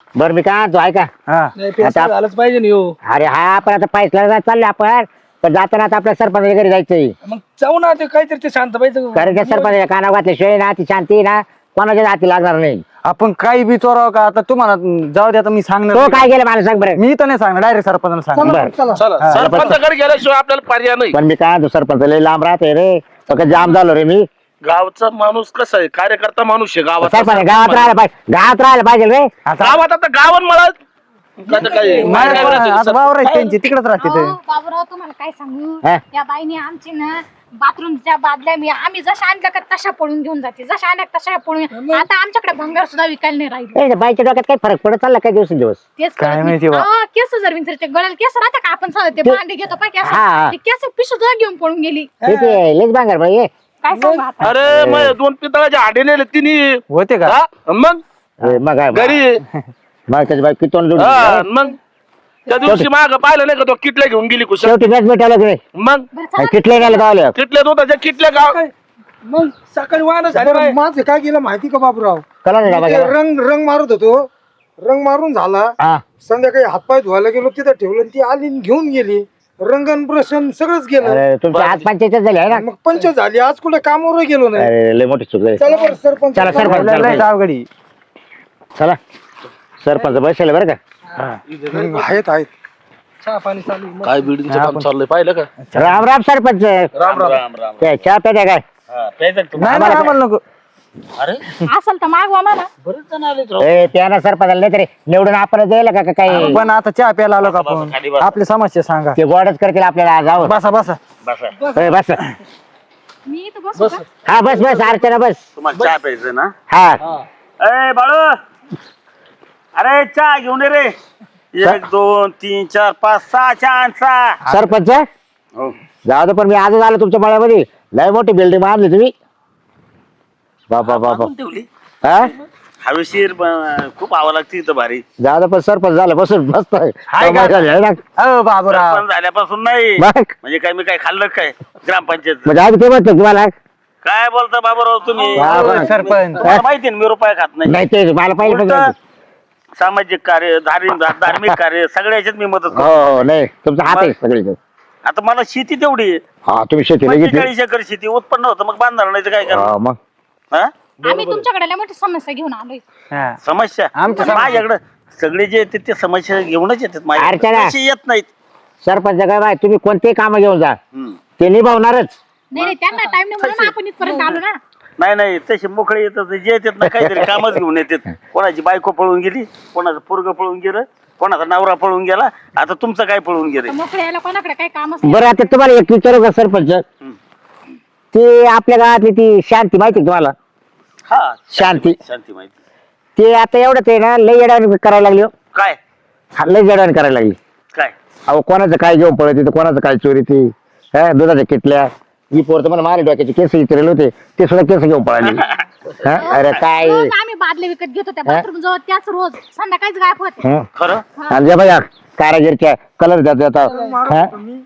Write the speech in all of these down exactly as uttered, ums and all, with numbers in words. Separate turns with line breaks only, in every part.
बरं मी काय तो ऐका
नाही पैसा झालंच पाहिजे नाही हो.
अरे हा पण आता पैसा चालले आपण पण जाताना आता आपल्या सरपंच घरी जायचंय
मग जाऊ ना ते काहीतरी ते शांत पाहिजे
कारण त्या सरपंच काना घातल्याशिवाय ना ती शांती ना कोणाच्या हाती लागणार नाही.
आपण काही बी चोराव का आता तुम्हाला जाऊ दे आता मी सांगणार
तो
नाही.
काय गेलं मला सांग बरं.
मी तर नाही सांगणार डायरेक्ट सरपंचाला सांग
बरं
चला सरपंचाकडे गेल्याशिवाय आपल्याला पर्याय नाही.
पण मी काय तो सरपंच लय लांब राहते रे तो जाम झालो रे मी.
गावचा माणूस कसा आहे कार्यकर्ता माणूस आहे गावात
सरपंच गावात राहायला पाहिजे गावात राहायला पाहिजे रे.
गावात आता गावन मला कसं काय
नाही, आता वावर आहेत त्यांची तिकडेच राहते ते.
अहो, बाबूराव तुम्हाला काय सांगू
हा?
या बाईने आमची ना बाथरूमच्या बादल्या मी आम्ही जशा आणल्या का तशा पळून घेऊन जाते जशा आणल्या तशा पळून आता आमच्याकडे भंगार सुद्धा विकायला नाही राहिले.
ए, बाईच्या डोक्यात काही फरक पडत चालला काय दिवस दिवस.
तेच
काय
कळत
माहिती
नाही.
बा.
अहो, केस जर विंचरते गळ्याला केस राहते का आपण सांगतो ते भांडे घेतो पाय केस
हा, हा.
ते केस पिशू सुद्धा घेऊन पळून गेली.
लेच बांगर बाई
काय सांगू आता.
अरे मग दोन पितळाच्या हाडे नेले तिने
होते का
हा? मग
मग काय
घरी
मग त्याची बाई किती तोंड जोडून
हा,
दिली.
मग त्या दिवशी माग पाहिलं नाही का तो किटल्या घेऊन गेली कुशल.
शेवटी मॅच भेटायला की नाही
मग
बरं चला.
किटले गेले गावले
किटल्यात होता त्या किटल्या गाव
मग सकाळी वाहन झाले
बरं, माझं काय केलं माहिती का बाबूराव
कला नाही
ते
डबा गेला.
रंग रंग मारत होतो रंग मारून झाला
हा
संध्याकाळी हातपाय धुवायला गेलो तिथं ठेवलं आणि ती आली आणि घेऊन गेली रंगन ब्रशन सगळंच गेलं
अरे तुमच्या हात पंचायत झाले आहे ना.
मग पंच झाली आज कुठे कामावर गेलो नाही
अरे लय मोठी चूक झाली.
चला बरं सरपंच
चला सरपंच
लय- लय
सरपंच.
अवघडी
चला सरपंच बसले बरं का.
हम्म, आहेत आहेत
चहा पाणी चालू आहे.
काय बिल्डिंगचं काम चाललंय पाहिलं का
राम राम सरपंच.
राम राम राम राम
काय चहा प्यायचा काय.
नाही नाही आम्हाला नको
अरे
असेल तर मागवा मला.
बरेच जण आले राव.
ए त्यानं सरपंचाला नाही तरी निवडून आपण द्यायला का का काही
पण आता चहा प्यायला आलो का आपण
खाली बसा.
आपली समस्या सांगा
ते गोडच करतील आपल्याला जाऊ.
बसा बसा
ए, बस
मी इथं बसू का?
हा बस बस अर्चना बस.
तुम्हाला चहा प्यायचं ना
हा
ए बाळू अरे चहा घेऊन ये रे एक दोन तीन चार पाच सहा चहा आण, सहा
सरपंच
हो.
जाऊ दे पण मी आजच आलो तुमच्या मळ्यामध्ये लय मोठी बिल्डिंग बांधली तुम्ही. बाबा बाबा
बांधून ठेवली
हा
हवेशीर ब- खूप हवा लागते इथं भारी
जाऊ दे पण सरपंच झालं बसून मस्त आहे.
हाय का?
कमाल झाली, आहे ना?
अहो बाबूराव
सरपंच झाल्यापासून नाही
मग
म्हणजे काय मी काय खाल्लं काय ग्रामपंचायत
म्हणजे आधी ते म्हणतो तुम्हाला
काय बोलता बाबाराव तुम्ही
हा, बरं.
सरपंच
तुम्हाला माहिती आहे ना, मी रुपये खात नाही
नाही ते मला पाहिजे पण
उलटं
नाही.
सामाजिक कार्य धार्मिक धार्मिक कार्य सगळ्या याच्यात मी मदत
हो
करतो
हो नाही तुमचा हात आहे सगळीकडे.
आता मला शेती तेवढी आहे.
हा तुम्ही शेतीला घेतली.
पंचेचाळीस एकर शेती उत्पन्न होतं मग बांधणार नाही तर काय करणार
हा, मग
हा?
आम्ही तुमच्याकडे लय मोठी समस्या घेऊन आलोय.
हा.
समस्या
आमच्या समस्या.
माझ्याकडे सगळे जे येतात ते समस्या घेऊनच येतात
अर्चना.
माझ्याकडे तसे येत नाहीत
सरपंच काय बाय तुम्ही कोणतेही काम घेऊन जा
हम्म.
ते निभावणारच.
नाही नाही त्यांना टाइम नाही म्हणून आपण इथपर्यंत आलो ना.
नाही नाही तसे मोकळे येतात जे येतात ना काहीतरी कामच घेऊन येतात कोणाची बायको पळून गेली कोणाचं पोरग पळून गेलं कोणाचा नवरा पळून गेला आता तुमचं काय पळून गेलं
तर मोकळे यायला कोणाकडे काही कामच नाही.
बरं आता तुम्हाला एक विचारू का सरपंच ते आपल्या गावातली ती शांती माहिती का तुम्हाला.
हा
शांती
शांती माहिती
ते आता एवढं ते ना लय येड्यावानी करायला लागली हो.
काय
हा, लय येड्यावानी करायला लागली.
काय
अहो कोणाचं काय घेऊन पळत तर कोणाचं काय चोरी ती हा दुधाच्या किटल्या ही पोर तर मला मारे डोक्याचे केस विचारले होते ते सुद्धा केस घेऊन पळाले. हा, अरे काय
रोज आम्ही बादले विकत घेतो त्या बाथरूम जवळ त्याच रोज संध्याकाळीच गायब होते.
हं?
खरं
आणि जे बघा कारागिरच्या कलर देतात हा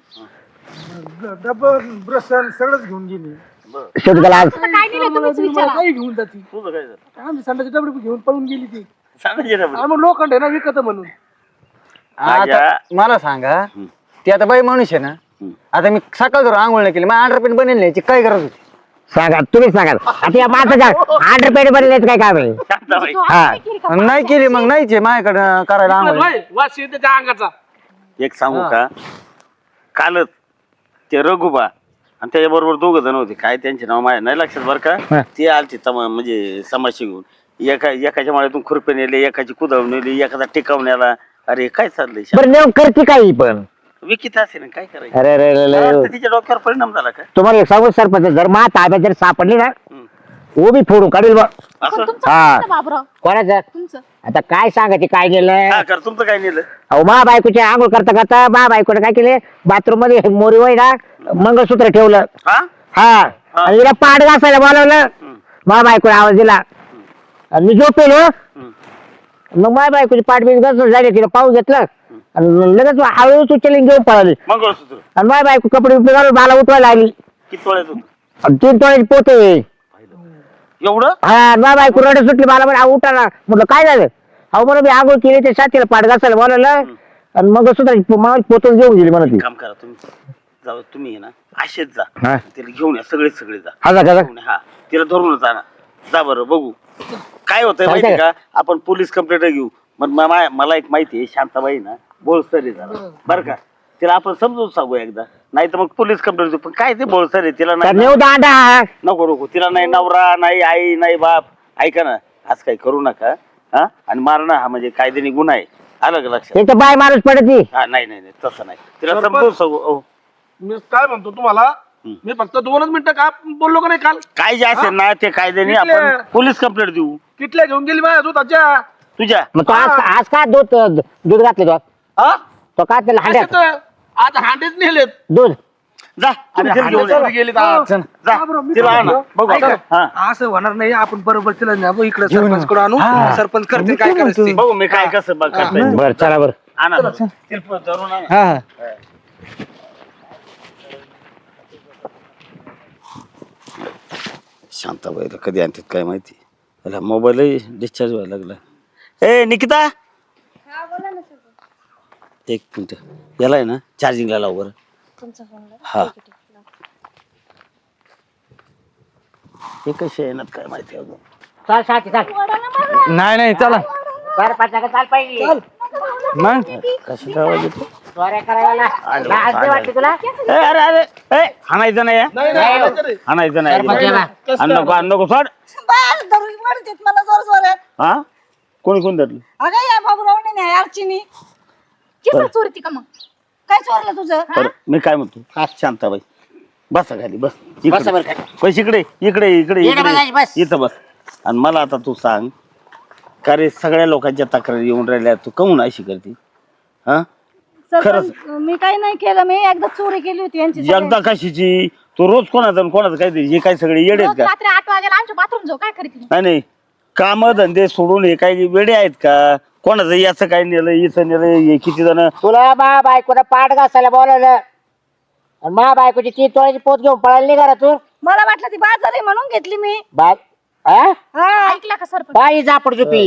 डबल ब्रशन सगळंच घेऊन गेली
शेवटी त्याला आज
आता काय दिलं तुम्हीच
तुम्हाला
विचारा.
काही घेऊन जाते
तुझं काय झालं
आम्ही संडाची डबडी घेऊन पळून गेली ती
सांगायचे ना बरं.
आणि मग लोखंड आहे ना विकत म्हणून
आता
माझ्या-
मला सांगा ती आता बाई माणूस आहे ना आता मी सकाळ धरून आंघोळ नाही केली मग अंडर पेंट बनेल नाही काय गरज होती.
सांगा तुम्हीच सांगा आता या माणसाच्या आठ रुपये बनले काय काम आहे.
शांताबाई
तो
हा.
आता नाही केली का?
नाही केली मग नाहीच आहे माझ्याकडे करायला आंघोळ
वास येते त्या अंगाचा.
एक सांगू का कालच ते रघुबा आणि त्याच्याबरोबर दोघ जण होते काय त्यांचे नाव माझ्या नाही लक्षात बरं
हा.
का ते आलते तमा म्हणजे समाशी घेऊन एका एकाच्या माळ्यातून खुरपे नेले एकाची कुदळ नेली एखादा टिकावण्याला अरे काय चाललंय
बरं नेऊन करते काही पण
विकित असे ना काय करायचं
अरे अरे अरे,
मला
अरे
वाटतं तिच्या डोक्यावर परिणाम झाला का
तुम्हाला एक सांगू सरपंच जर मा ताब्यात जर सापडली ना उभी फोडून काढील बा.
पण
असं
तुमचं
हा.
काय बाबराव
कोणाचं
तुमचं
आता काय सांगायचे काय गेलं
हा कर तुमचं काय नेलं
अहो मा बायकोच्या आंघोळ करता करता मा बायकोने काय केले बाथरूम मध्ये मोरी वय ना मंगळसूत्र ठेवलं
हा
हा आणि तिला पाठ घासायला बोलवलं मा बायकोने आवाज दिला आणि मी झोपेलो मग माझ्या बायकोची पाठ बीट घासून झाली तिला पाहून घेतलं आणि लगेच हळूहळू उचलली आणि घेऊन पळाली
मंगळसूत्र
आणि माझ्या बायको कपडे बिपडे घालून मला उठवायला लागली
किती तोळ्यात होतं
आणि तीन तोळ्याची पोते
एवढं
हा माझ्या बायको रडत सुटली मला म्हणे उठा ना म्हटलं काय झालं अहो मला मी आंघोळ केली त्या साथीला पाठ घासायला बोलावलं आणि मग सुद्धा मावशी पोतून घेऊन गेली म्हणा ती.
काम करा तुम्ही जाऊ तुम्ही आहे ना असेच जा
हा.
तिला घेऊन या सगळे सगळे जा
हा जा का जा?
घेऊन या. हा तिला धरूनच आणा जा बरं बघू काय होतंय
काय
माहिती
काय?
का आपण पोलीस कंप्लेंट घेऊ मग मा- मा- मला एक माहिती आहे शांताबाई ना बोळसर आहे जरा बरं का तिला आपण समजून सांगू एकदा नाही तर मग पोलीस कंप्लेंट देऊ पण काय ते बोळसर आहे तिला
तर
नाही
नेऊ दांडा.
नको नको तिला नाही नवरा नाही आई नाही बाप ऐका ना आज काही करू नका हा आणि मारणं हा म्हणजे कायद्याने गुन्हा आहे आलं का लक्षात
एक तर बाय माणूस पडती.
हा नाही नाही नाही तसं नाही तिला
सरपंच.
समजून सांगू अहो,
मी काय म्हणतो तुम्हाला
हम्म.
मी फक्त दोनच मिनिटं का बोललो का नाही काल
काय जे असेल ना ते कायद्याने
कितल्या?
आपण पोलीस कंप्लेंट देऊ
किटल्या घेऊन गेली माझ्या दुधाच्या
तुझ्या
मग तो आज आज का दूध दूध घातले तो
हा?
तो का त्याला
असे
हांड्यात
तर आज हांडेच नेलेत
दूध
जा तुम्ही तिला घेऊन या.
गेली जा बरं, मी
तिला
काय
आणा
म्हणतो,
बघू
ऐका,
आपण. हा
असं होणार नाही आपण बरोबर तिला न्या इकडे
घेऊन
सरपंच कडे आणू
हा.
सरपंच करते काय करायचं ते.
बघू मी काय कसं बघ करता येईल.
बरं चला बरं.
आणा बरं. तिला पण धरून आणा.
हा हा
शांताबाईला कधी आणतात काय माहिती त्याला मोबाईल डिस्चार्ज व्हायला लागला ए निकिता एक मिनिट याला आहे ना चार्जिंगला लाव बरं हा हे कसे येणार काय माहिती अजून
चाल साथी चाल.
नाही नाही चला
बरं पाच जागा चाल पाहिजे.
मग
कशी आवाज येतो
चोऱ्या करायला
आलो,
लाज नाही वाटते तुला?
ए, अरे अरे ए हाणायचं नाही हा.
नाही, नाही, नाही, नाही.
हाणायचं नाही
सरपंच याला.
आणि नको आणि नको सोड
बाहेर धरून पडतेत मला जोर जोरात.
हा कोणी कोण धरलं
अगं या बाबूरावने नाही अर्चिनी
केस चोरती का मग
काय चोरलं तुझं
बरं मी काय म्हणतो हा शांताबाई बसा खाली बस
बसा बरं
इकडे
खाली.
बस इकडे इकडे इकडे
इकडे बसायची,
इकडे
बस.
इथं बस आणि मला आता तू सांग का रे सगळ्या लोकांच्या तक्रारी येऊन राहिल्या तू काहून अशी करते हा
सरपंच मी काही नाही केलं मी एकदा चोरी केली होती यांची
एकदा कशीची तू रोज कोणाचं आणि कोणाचं काय हे काय सगळे येडे आहेत
रोज
का
रात्री आठ वाजेला आमच्या बाथरूम जाऊ काय करते
नाही नाही काम धंदे सोडून हे काही वेडे आहेत का कोणाचं याचं काय नेलं याचं नेलं हे किती जण
तुला मा बायकोला पाठ घासायला बोलावलं आणि मा बायकोची ती तोळ्याची पोत घेऊन पळायला नाही करा तू
मला वाटलं ती बाजार आहे म्हणून घेतली मी
बाय हा?
हा
ऐकला का सरपंच
बाई जापड झोपी.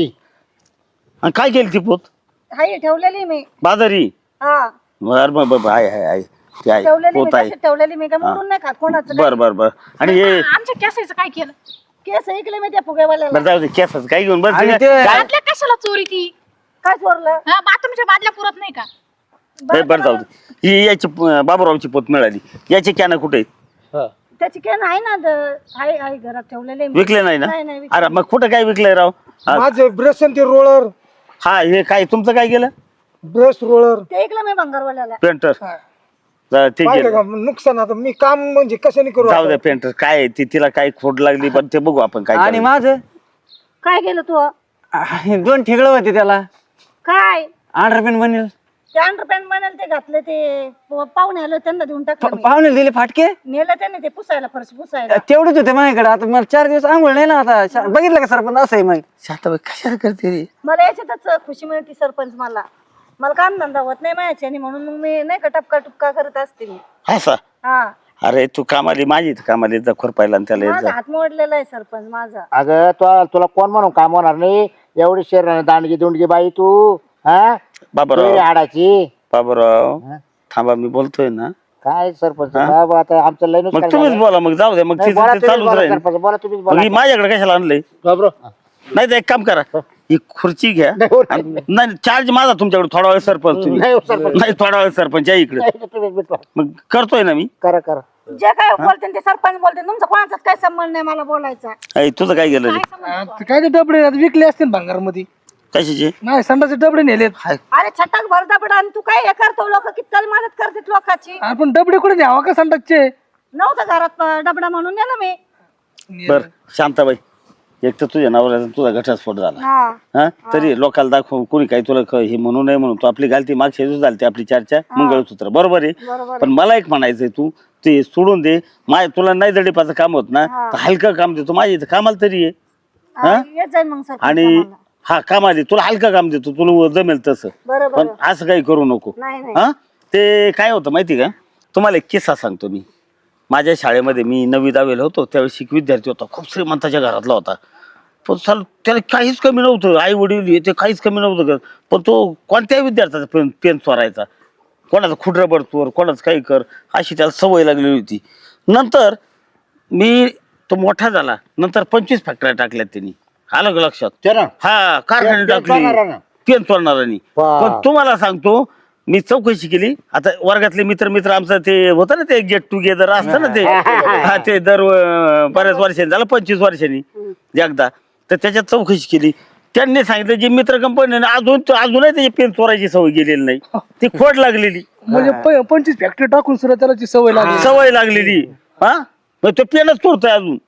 आणि काय केली ती पोत
हाई ठेवलेली मी
बाजारी
हा
बर बर बर आहे आहे आहे ते आहे
ठेवलेली मी
पोत आहे
तशी ठेवलेली मी काय मोडून नाही खात कोणाचं
बर बर बर आणि हे
आमच्या केसाचं काय केलं
केस ऐकले मी त्या फुगेवाल्याला
बरं जाऊ दे केसाचं काय घेऊन बस
आणि
काय
ते-
बादल्या कशाला चोरी ती
काय चोरलं
हा बाथरूमच्या बादल्या पुरत नाही का
बरं बरं जाऊ दे ही याची अं, बाबूरावची पोत मिळाली याची कॅन कुठे आहेत?
त्याची केन आहे ना द- आहे आहे घरात ठेवलेले मी
विकले नाही ना
नाही, नाही विकले.
अरे मग कुठं काय विकलंय राव हा
माझे ब्रश आणि ते रोलर
हा, हे काय तुमचं काय केलं
ब्रश रोलर
ते ऐकलं मी भंगारवाल्याला
पेंटर ते
पाहिलं
गेलं
का नुकसान आता मी काम म्हणजे कशाने करू
जाऊ
आता?
दे पेंटर काय आहे, ती तिला काय खोड लागली पण ते बघू आपण काय
आणि
करायचं.
माझं
काय केलं तू
आहे, दोन ठिगळ होते त्याला
काय
अंडरपेन बनेल
ते अंडरपॅन्ट म्हणाल ते घातले ते प- पाहुणे आले त्यांना देऊन टाकलं मी.
पाहुणे दिले फाटके
नेलं त्याने ते पुसायला फरशी पुसायला
तेवढेच होते माझ्याकडे आता मला चार दिवस आंघोळ नाही ना आता शा- बघितलं का सरपंच असं आहे मग
शांताबाई कशाला करते रे
मला याच्यातच खुशी मिळते सरपंच मला मला काम धंदा होत नाही माझ्याने म्हणून मग मी नाही का टपका टुपका करत असते मी
असा
हा
अरे तू कामाली माझी इथं कामाली जा खुरपायला आणि त्याला येत
माझा
जा
हात मोडलेला आहे सरपंच माझा
अगं तो तुला कोण म्हणून काम होणार नाही एवढी शरीर दांडगी दुंडगी बाई तू हा
बाबूराव
तुझी हाडाची
बाबूराव
हा?
थांबा मी बोलतोय ना
काय सरपंच
हा?
बाबा आता आमचं लय नुकसान
मग तुम्हीच
झालं.
बोला मग जाऊ दे मग
नाही,
तिचं
बोला
ते
तुम्हीच
चालूच
बोला
राहील
सरपंच, बोला तुम्हीच
मग
बोला
ही माझ्याकडे कशाला आणलंय नाही तर एक काम करा ही खुर्ची घ्या
नाही, हो, नाही.
आणि- नाही चार्ज माझा तुमच्याकडे थोडा वेळ सरपंच तुम्ही
नाही, हो, सरपंच.
नाही थोडा वेळ सरपंच या इकडे
नाही, तुम्हीच भेटवा.
मग करतोय ना मी
करा करा
जे काय बोलते ते सरपंच बोलते तुमचा कोणाचाच काय संबंध नाही मला बोलायचा
ऐ, तुझं काय गेलं रे
आ, ते काय ते डबडे आता विकले असतील भांगार मध्ये
कशाचे
नाही संडाचे डबडे नेलेत
अरे छटाक भर दबडा आणि तू काय हे करतो लोक किती मदत करतात लोकांची
आपण डबडे कुठे न्यावा का संडासचे
नव्हतं घरात अं, डबडा म्हणून नेलं मी
बर शांताबाई एक तर तुझ्या नवऱ्याचा तुझा घटस्फोट झाला
हा
हा तरी लोकांना दाखव कोणी काही तुला क- हे म्हणू नये म्हणून तू आपली घालती मागच्या दिवस झाली आपली चर्चा मंगळसूत्र बरोबर आहे
बरोबर
पण मला एक म्हणायचंय तू ते सोडून दे माय तुला नाही जडीपाचं काम होत ना तर हलकं काम देतो माझ्या इथं कामाला तरी आहे
हा, येत जाईल मग सरपंच
आणि
आम्हाला.
हा कामाला तुला हलकं काम देतो तुला जमेल तसं
बरोबर
पण असं काही करू नको
नाही नाही
हा ते काय होतं माहिती का तुम्हाला एक किस्सा सांगतो मी माझ्या शाळेमध्ये मी नववी दहावीला होतो त्यावेळेस एक विद्यार्थी होता खूप श्रीमंताच्या घरातला होता पण चाल त्याला काहीच कमी नव्हतं, आई वडील ते काहीच कमी नव्हतं का, पण तो कोणत्याही विद्यार्थ्याचा पेन पेन चोरायचा, कोणाचा खुड रबर चोर, कोणाचं काही कर, अशी त्याला सवय लागलेली होती. नंतर मी तो मोठा झाला, नंतर पंचवीस फॅक्टऱ्या टाकल्यात त्यांनी, आलं का लक्षात? हा, कारखाने टाकली पेन चोरणाऱ्यांनी. पण तुम्हाला सांगतो, मी चौकशी केली. आता वर्गातले मित्र मित्र आमचं ते होतं ना, ते गेट टुगेदर असतं ना, ते हा ते दर अं, बऱ्याच वर्षांनी झालं, पंचवीस वर्षांनी एकदा. तर त्याच्यात चौकशी केली. त्यांनी सांगितलं जी मित्र कंपनी अजून अजूनही त्याची पेन चोरायची सवय गेलेली नाही, ती खोड लागलेली,
म्हणजे प- पंचवीस फॅक्टरी टाकून सुद्धा त्याला ती सवय लागली.
सवय लागलेली. हा, मग तो पेनच चोरतोय अजून,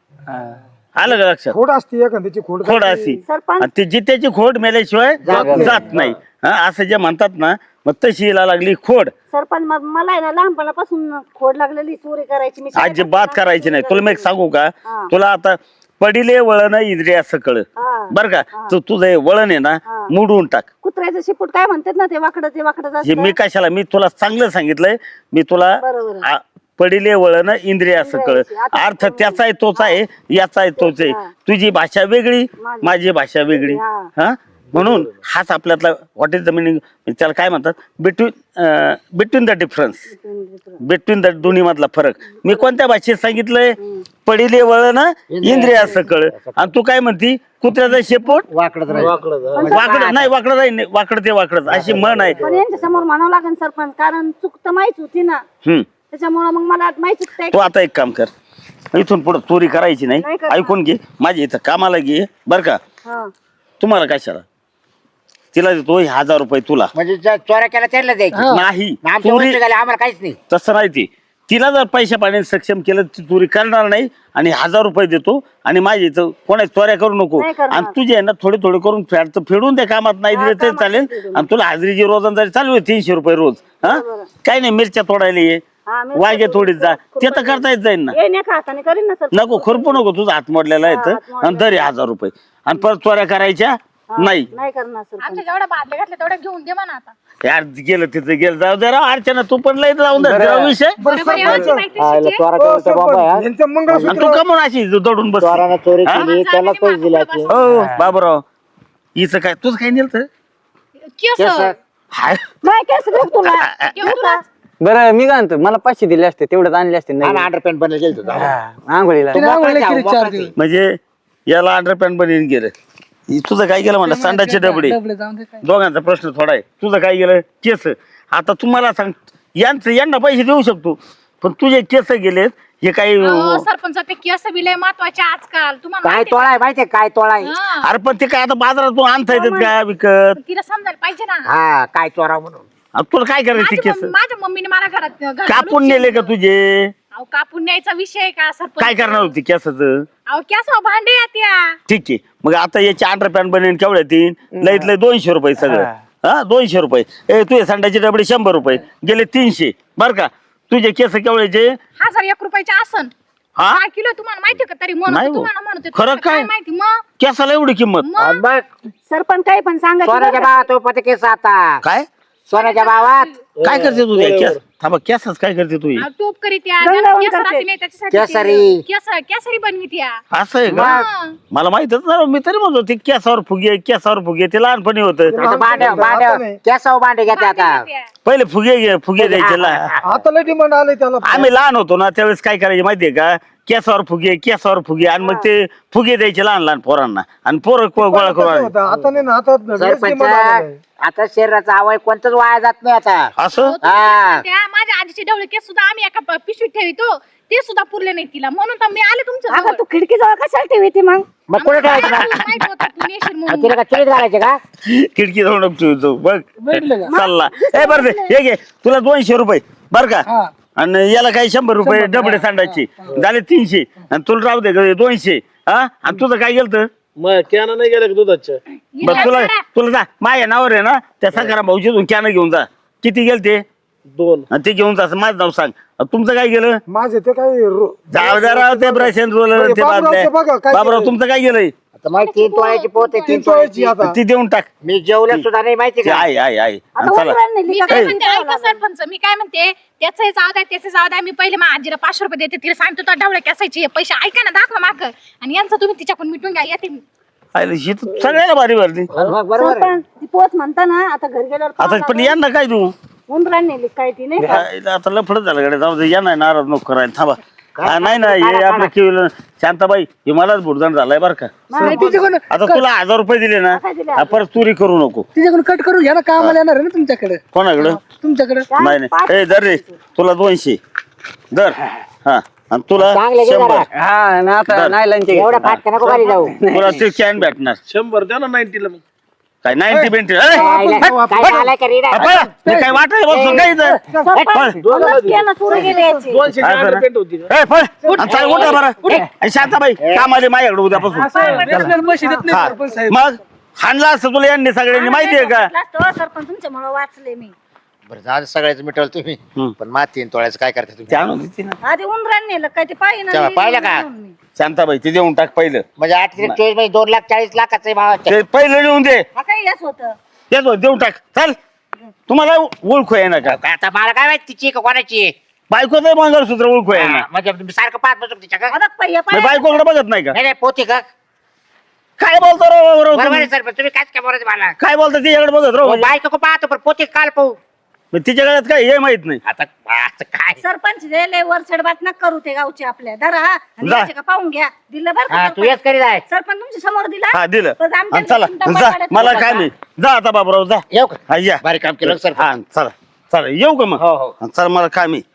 आलं का लक्षात?
खोड असते एखाद्याची खोड
खोड अशी,
सरपंच
आणि ते जित्याची खोड मेल्याशिवाय जात नाही. हा, असं जे म्हणतात ना, मग तशी हिला लागली खोड.
सरपंच मग मला आहे ना लहानपणापासून खोड लागलेली चोरी करायची. मी शाळेत
अजिबात
असताना
करायची नाही.
चोरी
तुला मी एक
करायची.
सांगू का,
हा.
तुला आता पडिले वळण इंद्रिय सकळ,
हा.
बर का? तू तुझं हे वळण आहे ना,
हा.
मोडून टाक.
कुत्र्याचं शिपूट काय म्हणतात ना, ते वाकडं ते वाकडं
हे मी कशाला, मी तुला चांगलं सांगितलंय. मी तुला
बरोबर.
आ- पडिले वळण इंद्रिय सकळ,
इंद्रियाची. आता
अर्थ त्याचा आहे तोच आहे, याचा आहे तोच आहे.
हा.
तुझी भाषा वेगळी,
माझी.
माझी भाषा वेगळी.
हा.
हा, म्हणून हाच आपल्यातला व्हॉट इज द मिनिंग, त्याला काय म्हणतात, between between the difference, between the दोन्ही मधला फरक. मी कोणत्या भाषेत सांगितलंय? पडिले वळण इंद्रिया सकळ, आणि तू काय म्हणती, कुत्र्याचा शेपूट वाकडं नाही, वाकडं नाही, वाकडं ते वाकडं, अशी म्हण आहे.
पण यांच्या समोर म्हणावं लागेल सरपंच, कारण चूक तर माहीत होती ना,
हम्म.
त्याच्यामुळे मग मला माहिती चुकतंय.
तू आता एक काम कर, इथून पुढे चोरी करायची नाही.
नाही करणार.
ऐकून घे, माझ्या इथं कामाला घे बर का.
हा.
तुम्हाला कशाला, तिला देतो हजार रुपये तुला.
म्हणजे ज्या चोऱ्या केला त्यांना द्यायची,
नाही,
आमच्या
चोरी
गोष्टी झाल्या, आम्हाला काहीच नाही.
तसं नाही. ती तिला जर पैशा पाण्याने सक्षम केलं, ती चोरी करणार नाही, आणि हजार रुपये देतो, आणि माझ्या इथं कोणाची चोऱ्या करू नको.
नाही करणार.
आणि तुझे आहे ना थोडे थोडे करून फेड फेडून त्या कामात नाही दिले तरी चालेल. आणि तुला हाजरीची रोजंदारी चालू आहे तीनशे रुपये रोज. हा, काही नाही, मिरच्या तोडायला ये,
हा, मी
वांगे थोडीच जा, ते तर करता येत जाईल ना.
ये नाही का हाताने करीन ना सर.
नको खुरपू नको, तुझा हात मोडलेला आहे तर, आणि दर हजार रुपये, आणि परत चोऱ्या करायच्या नाही.
नाही करणार सर.
आमच्या जेवढ्या बादल्या घातल्या तेवढ्या घेऊन दे म्हणा आता.
यार गेलं तिथं गेलं, जाऊ दे राव. अर्चना तू पण लय जाऊन दे राव विषय.
बरोबर आहे, आमची मैत्रीण
आयला
शिकली.
चोरा
हो,
केला बाबा यार.
यांचं
आणि
मंगळसूत्र
तू कमून अशी दडून बस.
चोरानं चोरी
हा?
केली, त्याला पैसे दिला ते.
हो बाबूराव, हिचं काय, तुझं काय नेलं
केस.
हाय,
नाही केस देऊ तुला.
घेऊन तुला.
बरं मी काय म्हणतो, मला पाचशे दिले असते, तेवढेच आणले असते.
आम्ही
नाही
अंडरपॅन्ट बनले गेलो होतो.
आंघोळीला
तिने आंघोळीला केली चार दिवस.
म्हणजे याला अंडरपॅन्ट बनवून गेलं. हि तुझं काय गेलं म्हणलं, संडाचे डबडे.
डबडे जाऊन दे काय.
दोघांचा प्रश्न थोडा आहे. तुझं काय गेलं, केस. आता तुम्हाला सांग, यांचं यांना पैसे देऊ शकतो, पण तुझे केस गेलेत, हे काही.
अहो, सरपंच ते केस बी लय महत्वाचे आजकाल, तुम्हाला
काय
माहिती
तोळा आहे माहितीये, काय तोळा आहे?
आहे? हा.
अरे पण ते काय आता बाजारातून आणता येतात का विकत?
पण तिला समजायला पाहिजे ना.
हा, काय चोरा म्हणून.
आता तुला काय करायचं
माझी
केस?
मम्मी- माझ्या मम्मीने मला घरात घरात
कापून
घालून
नेले का
ठेवलं.
तुझे?
अहो, कापून न्यायचा विषय का सरपंच?
काय करणार होती केसाचं?
अहो केस भांडे येत्या.
ठीक आहे, मग आता याची अंडरपॅन्ट बनेन केवढ्या तीन लईत लय दोनशे रुपये सगळं. हा, दोनशे रुपये. ए तुझे संडाचे डबडे शंभर रुपये गेले, तीनशे. बर का, तुझे केस केवढ्याचे?
हजार एक रुपयाचे आसन.
हा,
काय किलो तुम्हाला माहिती का? तरी म्हणून
नाही
तुम्हाला
हो.
म्हणत होते.
खरं
तुम्हाला
काय?
माहिती मग?
केसाला एवढी किंमत?
मग
आणि बघ,
सरपंच काही पण सांगा.
सोन्याच्या भावात तो पते केस आता.
काय
सोन्याच्या भावात
काय करते तू त्या केस? थांबा, केसच काय करते तू?
अहो, टोप करीत या.
गंगावून
ज्याला केस
करते.
राहते नाही त्याच्यासाठी
केसरी.
ते केस केसरी बनवीत या.
असं आहे का?
हा.
मला माहितच नाही, मी तरी म्हणतो ते केसावर फुगे, केसावर फुगे, ते लहानपणी होतं.
आता भांड्या भांड्या केसावर भांडे घेते आता.
भांडे येत्या.
पहिले फुगे घे, फुगे द्यायचे ला.
आता लय डिमांड आले त्याला.
आम्ही लहान होतो ना त्यावेळेस काय करायचे माहितीये का, केसावर फुगे, केसावर फुगे, आणि मग ते फुगे द्यायचे लहान लहान पोरांना, आणि पोरं को- गोळा करून आणायचे.
होता आता नाही ना, आता लयच
सरपंच
डिमांड आलेलं आहे.
आता शरीराचा अवय कोणतंच वाया जात नाही आता.
असं
हो, तुम्ही
हा.
म्हणत्या, माझ्या आजीचे डवळे केस सुद्धा आम्ही एका प- पिशवीत ठेवितो, ते सुद्धा पुरले नाही तिला, म्हणून तर मी आले तुमच्या
अगं
जवळ.
तू खिडकी जवळ कशाला ठेवी ती मग?
मग कुठे ठेवायचं ना?
तुला माहित होतं तू नेशील म्हणून.
तिला का चुलीत घालायचे का?
खिडकी जाऊन ठेवतो बघ,
भेटले का?
चालला. ए बरं दे, हे घे तुला दोनशे रुपये बर का,
हा.
आणि याला काही शंभर रुपये
शंभर,
डबडे
हा,
सांडायचे झाले तीनशे, आणि तुला राहू दे ग दोनशे. हा, आणि तुझं काय गेलं?
मग कॅन नाही गेलं का दुधाच्या?
बरं तुला तुला जा, माझ्या नावावर आहे ना त्या सकारा भाऊची कॅन घेऊन जा. किती गेल ते?
दोन.
आणि ते घेऊन जा, माझं नाव सांग. तुमचं काय गेलं?
माझे ते काय रो-
जाऊ द्या राव ते ब्रश अँड रोलर ते
बाबूरावचं
बाबड्या.
बघा, काय
बाबूराव
केलंय?
तुमचं काय गेलंय?
आता मला तीन तोळ्याची पोत आहे,
तीन
तीन
तोळ्याची
तोळ्याची.
आता.
ती देऊन टाक.
मी जेवलं सुद्धा नाही माहिती
ते
का?
आहे आहे आहे.
आता
आणि चला
उतरायला नेली
मी
का
काय
काय?
म्हणते ऐका सरपंच, मी काय म्हणते, त्याचंही जाऊ द्या त्याचे जाऊ द्या, मी पहिले माझ्या आजीला पाचशे रुपये देते, तिला सांगतो तर ढवळे कसायचे पैसे ऐका ना, दाखवा माग, आणि यांचं तुम्ही तिच्याकडून मिटून घ्या, येते मी.
आयला ही तर सगळ्याला भारी भरली
सरपंच ती पोच म्हणता ना आता घरी गेल्यावर
आता
पाहावं
पण
लागेल.
यांना काय तू
उंदराने नेली काय ती नाही का
आयला आता लफडच झालं कडे जाऊ दे, या नाही नाराज नको करायला थांबा. हा, नाही नाही हे आपलं केवळ शांताबाई हे मलाच भुडदंड झालाय बरं का.
नाही, तिच्याकडून
आता तुला हजार रुपये दिले ना
काय दिले
हा, परत चोरी करू नको.
तिच्याकडून कट करून घ्या ना कामाला येणार आहे ना तुमच्याकडे
कोणाकडं
तुमच्याकडे
नाही नाही ए दर रे तुला दोनशे दर हा आणि तुला
चांगले घे
शंभर
जरा.
हा ना आता
बरं.
नाही लंच
एवढं फाटका नको खाली जाऊ
तुला ते कॅन भेटणार
शंभर द्या ना नाईन्टीला मग
काय नाईन्टी बेंटी
आईला- काय आलाय का रे?
काय वाटायला बसून काय इथं?
सरपंच मलाच केलं चोरी गेली याची
दोनशे
काय करा?
पेंट होती
ए, पळ. आणि चला उठा बरं आणि शांताबाई काम आले माझ्याकडे उद्यापासून
व्यसनाला पैसे देत नाही
हा.
सरपंच साहेब
मग हाणला असतं तुला यांनी सगळ्यांनी माहितीये का
वाचलं असतं, हो, सरपंच तुमच्यामुळे वाचले मी
बरं झालं सगळ्याच मिटवलं तुम्ही
हम्म.
पण माती तीन तोळ्याचं काय करता तुम्ही
ते आणून देते ना.
आधी उंदराने नेलं काय ते पाहिजे
तेव्हा पाहिलं का?
शांताबाई ते देऊन टाक पहिलं
म्हणजे आठ त्रिक चोवीस म्हणजे दोन लाख चाळीस लाखाचं आहे भावाचं.
ते पहिलं लिहून दे
हा काय येस होतं
तेच बघ, देऊन टाक चल तुम्हाला ओळखू आहे ना का
काय आता मला काय माहिती तिची का कोणाची आहे?
बायकोच मंगळसूत्र ओळखू आहे ना
हा, म्हणजे तुम्ही सारखं पाहत बसतो तिच्या का
बघ पहिया
मी बायकोकडे बघत नाही का
नाही नाही पोती का
काय बोलतो राव बरोबर
बरोबर
तुम्ही?
आहे सर पण तुम्ही काय काय बोलायचं मला
काय बोलतो तिच्याकडे बघत राव
बायको का पाहतो पण पोती काल पाहू
मग तिच्या गळ्यात काय हे माहित नाही
आता असं काय
सरपंच लय वरचढ बात नका करू ते गावचे आपल्या धरा हा आणि
जा.
याचे का पाहून घ्या दिलं बरं
हा
का
तू
सरपंच?
येस करीत आहे
सरपंच तुमच्या समोर दिला
हा दिलं
पण आमच्या
आणि चला
डबा
जा
पाड्यात
मला
ठेवला
काय
का?
नाही जा आता बाबूराव जा
येऊ का
हा या
भारी काम केलं सर
हा चला चला येऊ का मग
हो, हो.
हा, चला मला काम आहे